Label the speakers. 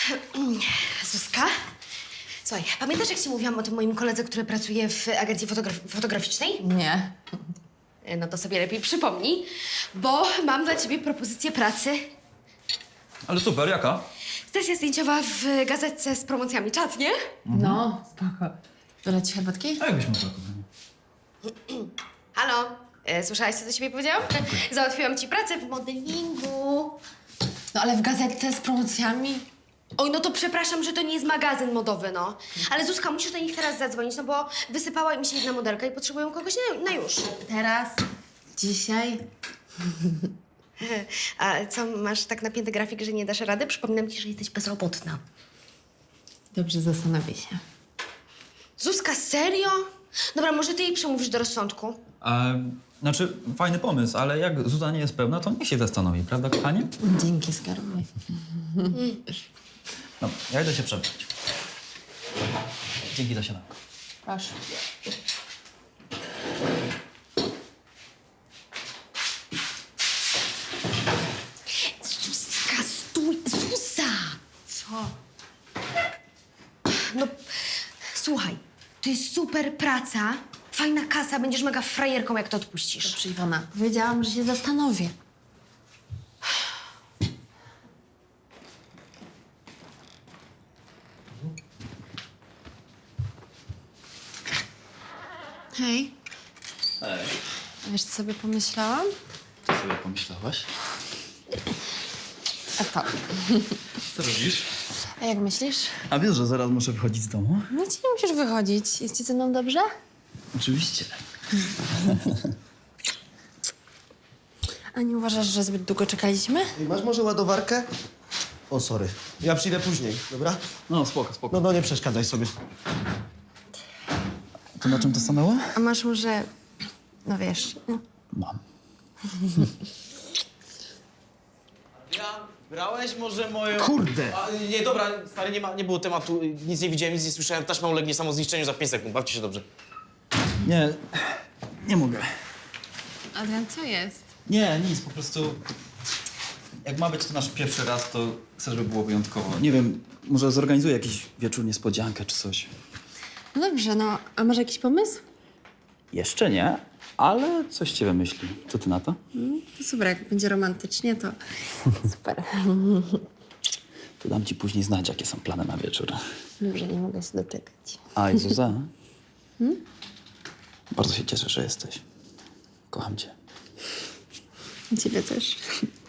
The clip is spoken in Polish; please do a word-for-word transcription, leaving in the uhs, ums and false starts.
Speaker 1: Zuzka? Słuchaj, pamiętasz, jak ci mówiłam o tym moim koledze, który pracuje w agencji fotograf fotograficznej?
Speaker 2: Nie.
Speaker 1: No to sobie lepiej przypomnij, bo mam dla ciebie propozycję pracy.
Speaker 3: Ale super, jaka?
Speaker 1: Sesja zdjęciowa w gazetce z promocjami. Czad, nie?
Speaker 2: No, spoko. Dolać ci herbatki?
Speaker 3: A jakbyś mogła, kochanie?
Speaker 1: Halo? E, słyszałaś, co do ciebie powiedziałam? Załatwiłam ci pracę w modelingu.
Speaker 2: No ale w gazetce z promocjami?
Speaker 1: Oj, no to przepraszam, że to nie jest magazyn modowy, no. Ale Zuzka, musisz do nich teraz zadzwonić, no bo wysypała im się jedna modelka i potrzebują kogoś na, na już.
Speaker 2: Teraz? Dzisiaj?
Speaker 1: A co, masz tak napięty grafik, że nie dasz rady? Przypominam ci, że jesteś bezrobotna.
Speaker 2: Dobrze, zastanowię się.
Speaker 1: Zuzka, serio? Dobra, może ty jej przemówisz do rozsądku?
Speaker 3: A, znaczy, fajny pomysł, ale jak Zuza nie jest pełna, to niech się zastanowi, prawda, kochanie?
Speaker 2: Dzięki, skarbie.
Speaker 3: No, ja idę się przebrać. Dzięki za śniadanko.
Speaker 2: Proszę.
Speaker 1: Zuzka, stój! Zuza!
Speaker 2: Co?
Speaker 1: No, słuchaj, to jest super praca, fajna kasa, będziesz mega frajerką, jak to odpuścisz.
Speaker 2: Dobrze, Iwona. Powiedziałam, że się zastanowię. Hej.
Speaker 3: Ej,
Speaker 2: Wiesz, co sobie pomyślałam?
Speaker 3: co sobie pomyślałaś?
Speaker 2: A to.
Speaker 3: Co robisz?
Speaker 2: A jak myślisz?
Speaker 3: A wiesz, że zaraz muszę wychodzić z domu?
Speaker 2: No ci nie musisz wychodzić. Jest ci ze mną dobrze?
Speaker 3: Oczywiście.
Speaker 2: A nie uważasz, że zbyt długo czekaliśmy?
Speaker 4: Ej, masz może ładowarkę? O, sorry. Ja przyjdę później, dobra?
Speaker 3: No, spoko, spoko.
Speaker 4: No, no, nie przeszkadzaj sobie.
Speaker 3: To na czym to stanęło?
Speaker 2: A masz może... No wiesz... no.
Speaker 3: Mam.
Speaker 5: Ja, brałeś może moją...
Speaker 4: Kurde!
Speaker 5: A, nie, dobra, stary, nie, ma, nie było tematu, nic nie widziałem, nic nie słyszałem. Taśma ulegnie samozniszczeniu za pięć sekund, bawcie się dobrze.
Speaker 3: Nie, nie mogę.
Speaker 2: Adrian, co jest?
Speaker 3: Nie, nic, po prostu... Jak ma być to nasz pierwszy raz, to chcę, żeby było wyjątkowo. Nie wiem, może zorganizuję jakiś wieczór niespodziankę czy coś.
Speaker 2: No dobrze, no. A masz jakiś pomysł?
Speaker 3: Jeszcze nie, ale coś cię wymyśli. Co ty na to?
Speaker 2: To super, jak będzie romantycznie, to super.
Speaker 3: To dam ci później znać, jakie są plany na wieczór.
Speaker 2: Dobrze, nie mogę się doczekać.
Speaker 3: A, i Zuza? Hmm? Bardzo się cieszę, że jesteś. Kocham cię.
Speaker 2: Ciebie też.